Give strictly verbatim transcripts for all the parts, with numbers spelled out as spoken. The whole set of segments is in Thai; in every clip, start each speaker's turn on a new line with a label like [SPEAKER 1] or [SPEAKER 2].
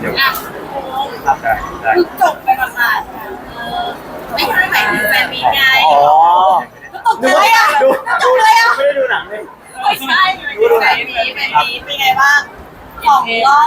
[SPEAKER 1] เดี๋ยว
[SPEAKER 2] อ่ะ
[SPEAKER 1] ครับได้ได้
[SPEAKER 2] คือจบไปประมาณเออไม่ใช่หมายถึงแฟนมีไง
[SPEAKER 3] อ๋อ
[SPEAKER 2] ก็ตกใจอ่ะ
[SPEAKER 3] ดู
[SPEAKER 2] ต
[SPEAKER 3] ดู
[SPEAKER 2] กใจอ่ะ
[SPEAKER 3] ไม่ได้ดูหนังเลย
[SPEAKER 2] ไม่ใช่แฟนมีแฟนมีเป็นไงบ้างของรอบ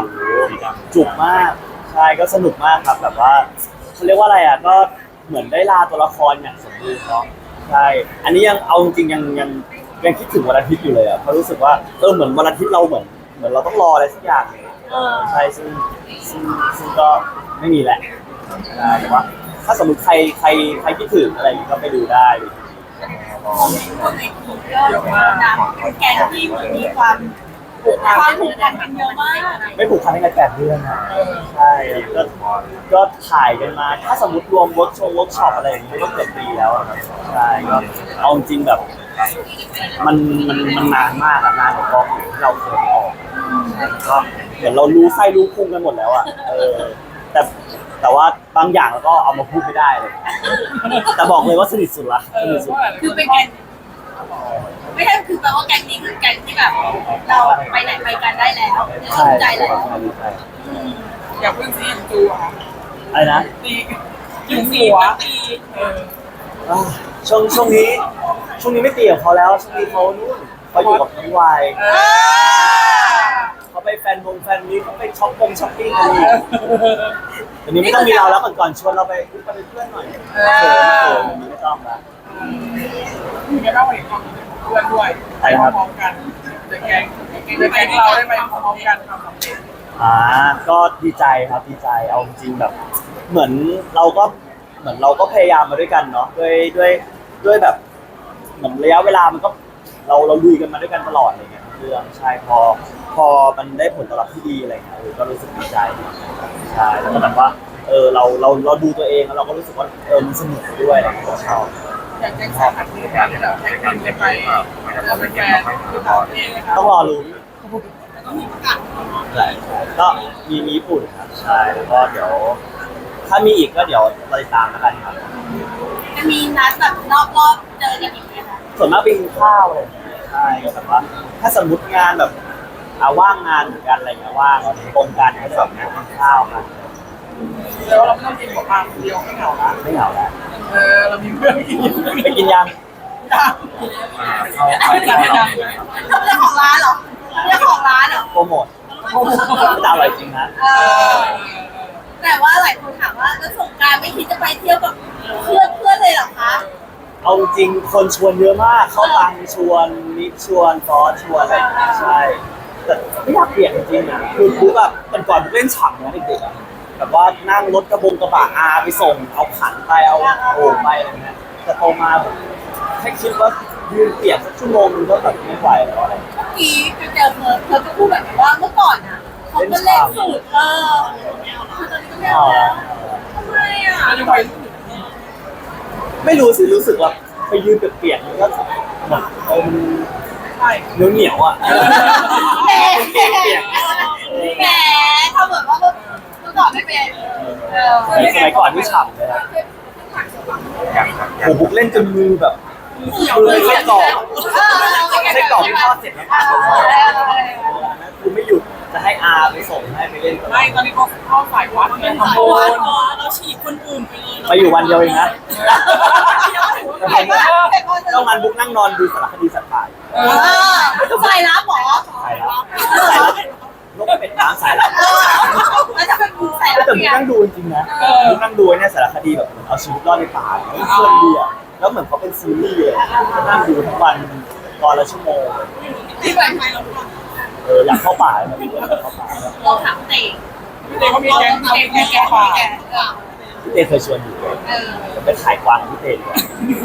[SPEAKER 3] จุกมากใช่ก็สนุกมากครับแบบว่าเขาเรียกว่าอะไรอ่ะก็เหมือนได้ลาตัวละครอย่างสมบูรณ์เนาะใช่อันนี้ยังเอาจริงๆยังยังยังคิดถึงวันอาทิตย์อยู่เลยอ่ะเพราะรู้สึกว่าเออเหมือนวันอาทิตย์เราเหมือนเหมือนเราต้องรออะไรสักอย่างเลยใช่ซึ่งซึ่งซึ่งก็ไม่มีแหละใช่แต่ว่าถ้าสมมติใครใครใครคิดถึงอะไรอย่างงี้ก็ไปดูได้
[SPEAKER 2] คนในคนในกลุ่มก็เยอะมากนะเป็นแกงที่เหมือนมีความความผูกพันกันเยอะมาก
[SPEAKER 3] ไม่ผูกพันกันแปดเดือนอ่ะใช่ก็ก็ถ่ายกันมา ถ้าสมมติรวมเวิร์กชงเวิร์กช็อปอะไรอย่างเงี้ยก็เกือบปีแล้วอะครับใช่ก็เอาจริงแบบ มันมันมันนานมากอะนานกว่ากองที่เราเคยออกก็เหมือนเรารู้ไส้รู้พุงกันหมดแล้วอ่ะเออแต่แต่ว่าบางอย่างเราก็เอามาพูดไม่ได้เลย แต่บอกเลยว่าสนิทสุดละสนิทสุด
[SPEAKER 2] คือเป็นแกงไม่ใช่คือแปลว่าแกงนี้คือแกงที่แบบ เราไปไหนไปกันได้แล้วส
[SPEAKER 3] ใช่
[SPEAKER 2] นใจแล้ว
[SPEAKER 3] ใช่ใช่
[SPEAKER 4] อยากเพิ่งซีนจูอะค่ะ
[SPEAKER 3] อะไรนะ
[SPEAKER 4] ตียิงหัวตีเออ
[SPEAKER 3] อ่าช่วงช่วงนี้ช่วงนี้ไม่ตีกับเขาแล้วช่วงนี้เขานู่นเขาอยู่กับน้องวายเขาไปแฟนวงแฟนนี้เขาไปช็อปปงช้อปปิ้งกันอีกเดี๋ยวนี้ไม่ต้องมีเราแล้วก่อนก่อนชวนเราไปไปเป็นเพื่อนหน่อยเขินเขินไม่ต้องละ
[SPEAKER 4] มีแค่ต้องเห็นความเพื่อนด้วยไปพร้อมๆกันเดอะแก๊งเดอะแก๊งเราได้ไปพร้อมๆกันทำสำเร็จ
[SPEAKER 3] อ่าก็ดีใจครับดีใจเอาจริงแบบ เหมือนเราก็เหมือนเราก็พยายามมาด้วยกันเนาะด้วยด้วยด้วยแบบ เหมือนระยะเวลามันก็เราเราลุยกันมาด้วยกันตลอดอะไรเงี้ยเรื่องใช่พอพอมันได้ผลตอบรับที่ดีอะไรเงี้ยเออก็รู้สึกดีใจใช่แล้วก็แบบว่าเออเราเราเราดูตัวเองแล้วเราก็รู้สึกว่าเออมันสนุกด้วยอะไรเงี้ยเราชอบ
[SPEAKER 4] อยากแจ้งสาหัสที่แบบแท็กทีมได้ไปเราเป็นแฟนคือต่างประเทศนะครับ
[SPEAKER 3] ต้องรอลุ้น
[SPEAKER 2] แล้วก็มีประกาศ
[SPEAKER 3] ใช่ก็มีมีญี่ปุ่นครับใช่แล้วก็เดี๋ยว ถ้ามีอีกก็เดี๋ยวเราติดตามแล้วกันครับ
[SPEAKER 2] จะมีนัดแบบนอกรอบเจอกันอีกไหมคะ
[SPEAKER 3] ส่วนมากไปกินข้าวอะไรอย่างเงี้ยใช่ก็แบบว่า ถ้าสมมติงานแบบอาว่างงานเหมือนกันอะไรเงี้ยว่างตรงกันก็แบบกินข้าวกัน
[SPEAKER 4] แล้วเราไม่ต้องกินหัวปลาคนเดียวไม่เหงาละ
[SPEAKER 3] ไม่เหงาแล้ว
[SPEAKER 4] เออเรามีเพื่อนกินอยู่
[SPEAKER 3] ไปกินยัง
[SPEAKER 1] เข้าไปแล้วเรา
[SPEAKER 2] เรื่องของร้านเหรอเรื่องของร้านเหรอ
[SPEAKER 3] โปรโมทแต่อร่อยจริงนะ
[SPEAKER 2] เออแต่ว่าหลายคนถามว่าแล้วสงกรานต์ไม่คิดจะไปเที่ยวกับเพื่อนเพื่อนเลยเหรอคะ
[SPEAKER 3] เอาจริงคนชวนเยอะมาก เข้าตังชวนนิดชวนฟอสชวนอะไรอย่างเงี้ยใช่ แต่ไม่อยากเปลี่ยนจริงๆอ่ะคือบุ๊กแบบเป็นก่อนบุ๊กเล่นฉ่ำนะเด็กๆอ่ะแบบว่านั่งรถกระบงกระบะอาไปส่ง เอาขันไปเอาโอ่งไปอะไรเงี้ยแต่โตมาแบบแค่คิดว่ายืนเปียกสักชั่วโมงนึงก็แบบไม่ไหวแล้วอะไร
[SPEAKER 2] เมื่อกี้ไปเจอเพิร์ดเพิร์ดก็พูดแบบว่าเมื่อก่อนอ่ะเขาก็เล่นสูตรเออคือตอนนี้ก็ไม่เอาแล้วทำไมอ่ะ
[SPEAKER 4] เราจะไป
[SPEAKER 3] ไม่รู้สิรู้สึกว่าไปยืนเปียกๆมันก็แบบเออมัน
[SPEAKER 4] ใช่
[SPEAKER 3] เหนียวเหนียวๆอ่ะ
[SPEAKER 2] แหมแหมทำเหมือนว่าเมื่อก่อนไม่เป็นเออ
[SPEAKER 3] สมัยก่อนที่ฉ่ำเลยครับ
[SPEAKER 1] อย่างครับ
[SPEAKER 3] โอ้บุ๊กเล่นจนมือแบบมือไส้กรอกไส้กรอกที่ทอดเสร็จแล้วผ่านคือไม่หยุดจะให้อาไปส่งให้ไปเล่นตลอ
[SPEAKER 4] ไม่
[SPEAKER 3] ด
[SPEAKER 4] ตอนนี้เขาเข้าสายวัดไงทำบุญ
[SPEAKER 2] เราฉีดคนอื่นไปเลย
[SPEAKER 3] ไปอยู่วันเดียวเองนะ
[SPEAKER 2] เห็นว่าเห็นว่า
[SPEAKER 3] ต้องงานบุ๊กนั่งนอนดูสารคดีสัตว์ป่า
[SPEAKER 4] เอ
[SPEAKER 2] เอ
[SPEAKER 4] อ
[SPEAKER 2] อสายลับหรอ
[SPEAKER 3] สายลับสายลับนกเป็ดน้ำสายลับ
[SPEAKER 2] เออแล้วจะเป็นบูสายลับ
[SPEAKER 3] แต่บุ๊ก
[SPEAKER 2] เนี่ย
[SPEAKER 3] นั่งดูจริงๆนะบุ๊กนั่งดูเนี่ยสารคดีแบบเอาชีวิตรอดในป่าเนี่ยเพื่อนดีอ่ะแล้วเหมือนเขาเป็นซีรีส์เลยก็นั่งดูทั้งวันตอนละชั่วโมง
[SPEAKER 2] ที่แบบไหนเรา
[SPEAKER 3] เอออยากเข้าป่าเลยอยากเข้าป่า
[SPEAKER 2] เราถามเตะ
[SPEAKER 4] พี่เต้เขามีแก๊ง
[SPEAKER 2] เรา
[SPEAKER 4] แก๊ง
[SPEAKER 2] แก
[SPEAKER 4] แก๊ง
[SPEAKER 2] แก
[SPEAKER 4] ป่า
[SPEAKER 2] แก
[SPEAKER 3] พี่เตเคยชวนอยู่เลย
[SPEAKER 2] เออ
[SPEAKER 3] จะไปขายกวางกับพี่เตดีกว่า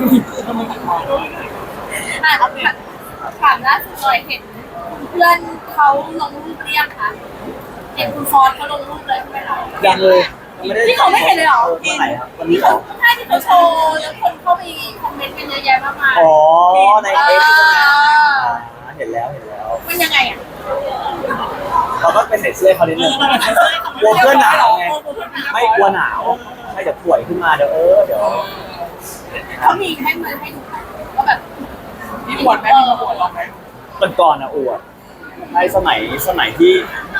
[SPEAKER 2] อ่ะถามล่าสุดเลยเห็นเพื่อนเขาลงรูปเรียกค่ะเห็นคุณฟอนเขาลงรูปเลยใช่ไหมคะ
[SPEAKER 3] ยังเลยยังไม่ได้
[SPEAKER 2] ที่เขาไม่เห็นเลยเหรอ
[SPEAKER 3] เมื่อไหร่ครับวันนี้
[SPEAKER 2] ที่
[SPEAKER 3] เหร
[SPEAKER 2] เขา
[SPEAKER 3] อ
[SPEAKER 2] ใช่ที่เขาโชว์แล้วคนเข้าไปคอมเมนต์กันเยอะแยะมากมาย
[SPEAKER 3] อ๋อในเอ็กซ์ใช่ไหมอ่าเห็นแล้วเห็นแล้ว
[SPEAKER 2] มันยังไงอ่ะ
[SPEAKER 3] เราก็ไปใส่เสื้อเขานิดนึงกลัวเพื่อนหนาวไงไม่กลัวหนาวไม่เดี๋ยวป่วยขึ้นมาเดี๋ยวเออเดี๋ยว
[SPEAKER 2] เขามีให้มันให้ดูไหมว่าแบบ
[SPEAKER 4] มีบวชไหมมีบวชเราไหม
[SPEAKER 3] ก่อนก่อนๆนะอวดในสมัยสมัยที่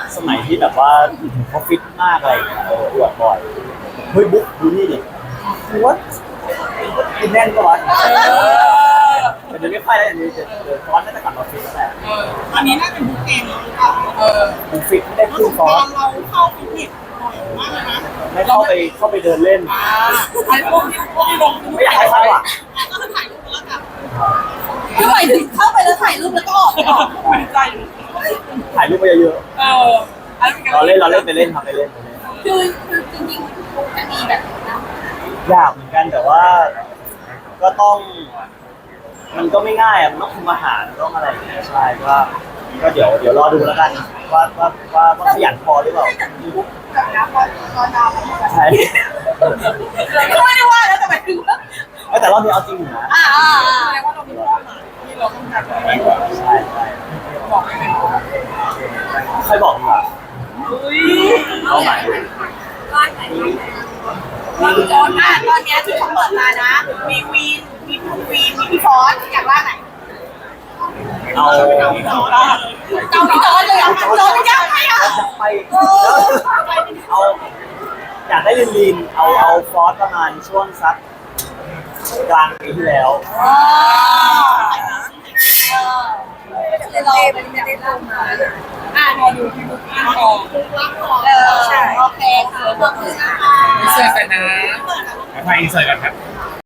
[SPEAKER 3] สมัยที่แบบว่าเขาฟิตมากอะไรอย่างเงี้ยเอออวดบ่อยเฮ้ยบุ๊กดูนี่ดิวัดกินแน่นกว่าแต่เดี๋ยวไม่ค่อยแล้วเดี๋ยวเดี๋ยวฟอนต์น่าจะกลับมาฟิตแล้วแหละ
[SPEAKER 4] เออตอนนี้น่าจะบุ๊กเองแล้วหรือเปล่าเออ
[SPEAKER 3] บุ๊กฟิตไม่ได้ขึ้นฟอนต์
[SPEAKER 4] เราเข้าฟิตเนสบ่อยมากเลยนะ
[SPEAKER 3] ไม่เข้าไปเข้าไปเดินเล่น
[SPEAKER 4] อ่าไอ้พวกที่พวกที่ลง
[SPEAKER 3] ไม่อยากให้เข้าอ่ะ
[SPEAKER 4] ก็จะถ่ายรูปแล้วกัน
[SPEAKER 2] คือหมายถึงเข้าไปแล้วถ่ายรูปแล้วก็ออกไม่ออก
[SPEAKER 4] ไม่ใจอยู่
[SPEAKER 3] ถ่ายรูปไปเยอะ
[SPEAKER 4] เออ
[SPEAKER 3] ๆเราเล่นเราเล่นไปเล่นทำไปเล่นไปเล่น
[SPEAKER 2] คือคือจริงๆจะมีแบบนี้นะ
[SPEAKER 3] ยากเหมือนกันแต่ว่าก็ต้อง มันก็ไม่ง่ายอ่ะมันต้องคุมอาหารต้องอะไรอย่างเงี้ยใช่ก็ก็เดี๋ยวเดี๋ยวรอดูแล้วกันว่าว่าว่าว่าขยันพอหรือเปล่า
[SPEAKER 2] แบบน้ำร้อนร้อนน้ำ
[SPEAKER 3] ใช่
[SPEAKER 2] ก็ไม่ได้ว่าแล้วแต่หมายถึงว่า
[SPEAKER 3] แต่รอบนี้เอาจริงอยู่นะ
[SPEAKER 2] อ่าอ่า
[SPEAKER 4] แสดงว่าเรามีเป้าหมายที่เราต้องการอะไรกว่า
[SPEAKER 3] ใช่ใช่
[SPEAKER 4] บอกได้ไหม
[SPEAKER 3] ใครบอกดีกว่า
[SPEAKER 4] อุ้ย
[SPEAKER 3] เอาใหม่
[SPEAKER 2] ร้านไหนร้านไหนร้านจอนอ่ะตอนเนี้ยที่เขาเปิดมานะ มีวีนมีคุณวีนมีพี่ฟอสอยากร้านไหน
[SPEAKER 3] เอา
[SPEAKER 2] เกาพี่จอนเลยอ่ะจอนยังไงอ่ะ
[SPEAKER 3] ไปเอาอยากได้ลินลินเอาเอาฟอสประมาณช่วงสักกลางปีที่แล้ว
[SPEAKER 2] อ๋อเราเป็นเด็กลงมาอ่ะ
[SPEAKER 4] พอดูที่บุ๊กอินก่อน
[SPEAKER 2] เออโอเคค่ะขอบคุณนะคะ
[SPEAKER 4] เสื้อกันนะ
[SPEAKER 1] ไปอินเสิร์ตกันครับ